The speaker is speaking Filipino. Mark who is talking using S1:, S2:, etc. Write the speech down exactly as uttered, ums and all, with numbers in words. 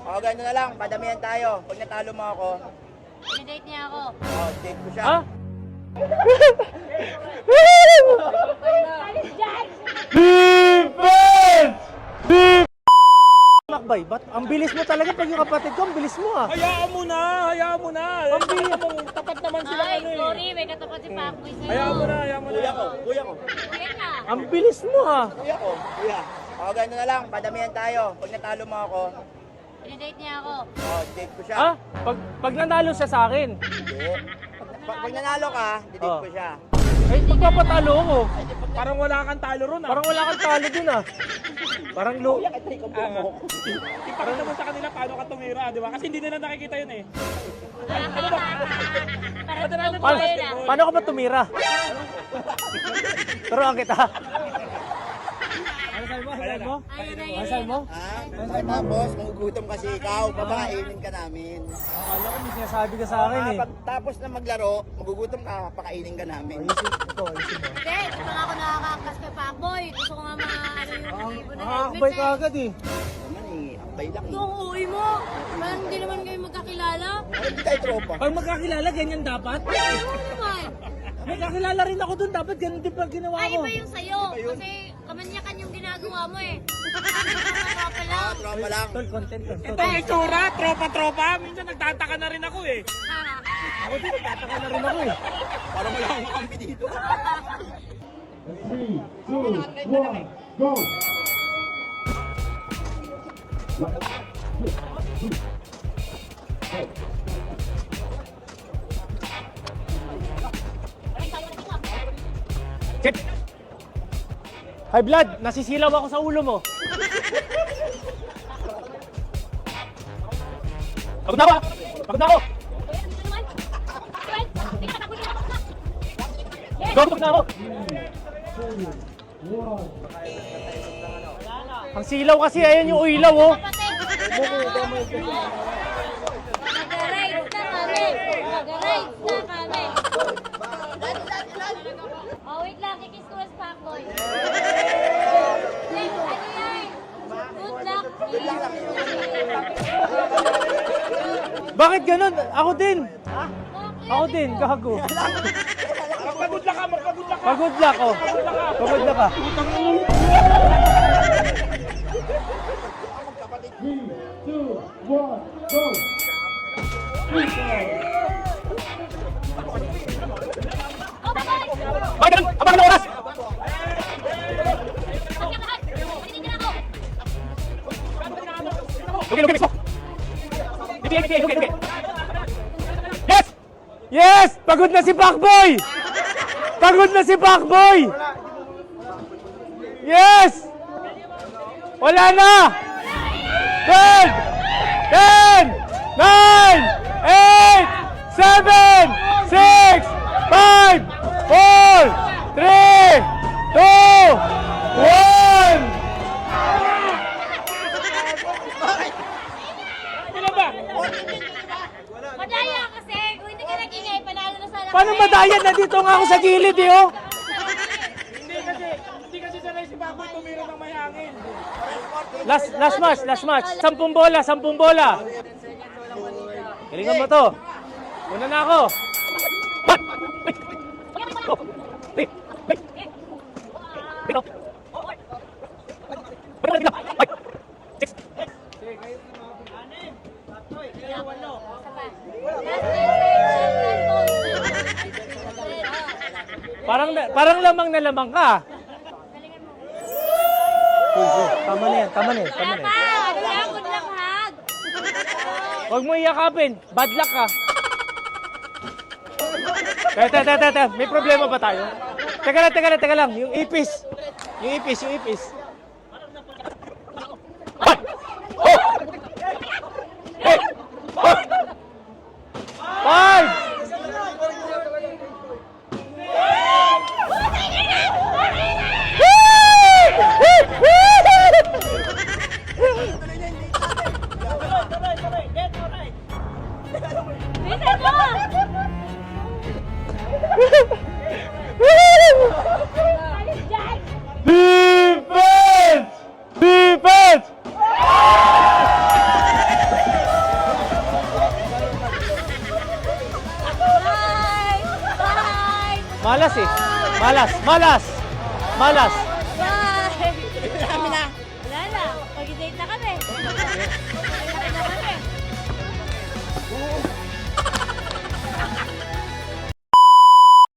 S1: O, ganito na lang. Padamihan tayo. Pag natalo mo ako,
S2: I-date niya ako.
S1: o, date ko siya.
S3: Ha?
S2: Alis dyan!
S3: Defense! Defense! Makbay, ba't ang bilis mo talaga pag yung kapatid ko, ang bilis mo ah.
S4: Hayaan mo na, hayaan mo na.
S3: Ang bilis.
S4: Alam mo, tapat naman sila
S2: Ay,
S4: ano eh.
S2: sorry. May katapat si Pacboy sa'yo.
S4: Hayaan mo na, hayaan mo na.
S1: Kuya ko, kuya ko.
S2: Kuya ka.
S3: Ang bilis mo ah.
S1: Kuya ko, kuya. O, ganito na lang. Padamihan tayo. Pag natalo mo ako,
S2: I-date niya ako.
S1: o, date ko siya.
S3: Ha? Pag, pag nanalo siya sa akin,
S1: Hindi. Pag, pag nanalo ka, didate
S3: Oh.
S1: ko siya.
S3: ay pagpapatalo ko.
S4: Parang wala kang talo ron ah.
S3: Parang wala kang talo dun ah. Parang lo...
S1: Kuya, ito ikaw po mo.
S4: Ipakita mo sa kanila paano ka tumira, di ba? Kasi hindi nila nakikita yun eh.
S2: Para
S4: Padala na
S2: sa
S3: Paano,
S2: kuya na.
S3: paano ka ba tumira? Turuan kita. Ano sabi mo? Ano sabi mo?
S2: Ano na
S3: Ano
S2: yun?
S3: sabi mo?
S1: Ha? Tapos, magugutom kasi ikaw. Papakainin ka namin.
S3: Akala ko may sinasabi ka sa akin eh.
S1: Pag tapos na maglaro, magugutom ka, pakainin ka namin.
S3: Ayusin ito, ayusin mo.
S2: Hindi, di pa nga ako nakakakas kay Pacboy. Gusto ko nga maano yung ibon na
S3: Nakakabay ka agad eh.
S1: Naman eh, ambay lang eh.
S2: Yung uwi mo. Parang hindi naman kayo magkakilala.
S1: Ay, hindi tayo tropa.
S3: Pag magkakilala, ganyan dapat.
S2: Ano naman?
S3: Magkakilala rin ako dun, dapat ganun din pag ginawa
S2: Ay,
S3: ko.
S2: iba yung sa'yo. Kasi kamanyakan yung ginagawa mo eh. Ano pa lang?
S1: Tropa lang.
S3: Tol, content lang. Tol.
S4: Ito yung itsura, tropa-tropa. Minsan nagtataka na rin ako eh.
S3: Ako din, tataka na rin ako eh.
S1: Parang wala akong kampi dito.
S5: Three, two, one, go!
S3: Chip! High blood, nasisilaw ako sa ulo mo. Pagod na ako! ah. Pagod na ako! Go, pagod na ako! Ang silaw kasi, ayan yung ilaw oh.
S2: Kapatid! Mag-rides na kami! Mag-rides na kami! Oh, wait lang. Kikis ko as Pacboy. Wait, ano yan? Good luck.
S3: Bakit ganun? Ako din!
S2: Okay,
S3: Ako din, gago.
S4: Magpagod lang ka, magpagod lang ka.
S3: Pagod lang ako. Pagod na ka.
S5: Three, two, one, go!
S2: Oh, bye-bye!
S3: Bakit ganun? Abang na oras!
S2: Pagkakahat! Pagkakahat na ako!
S3: Lugi, lugi, mismo! Lugi, lugi, lugi, lugi! Yes! Yes! Pagod na si Pacboy! Pagod na si Pacboy! Yes! Wala na! ten! ten! nine! eight! seven! six! five! four! three! two! one!
S4: Ano ba?
S2: Madaya kasi! Kung hindi ka nag-ingay, panalo na sana
S3: Paano
S2: kami.
S3: madayan? Nandito nga ako sa gilid eh, oh!
S4: Hindi kasi, hindi kasi sanay si Baboy tumira ng may hangin.
S3: Last, last match, last match. Sampung bola, sampung bola. Galingan mo to. Una na ako. One. Wait. Go. Three. Wait. Dito. Wait, dito. Five. Six. Parang, parang lamang na lamang ka. Uy, uy, tama na yan, tama na yan, tama na yan.
S2: Pa! Ano lang? Good luck, hug!
S3: Huwag mo iyakapin, bad luck ka. Teka, teka, teka, teka, may problema ba tayo? Teka lang, teka lang, teka lang, yung ipis. Yung ipis, yung ipis. One, two, three, four, five.
S2: Alis dyan!
S3: Defense! Malas eh. Malas, malas. Malas.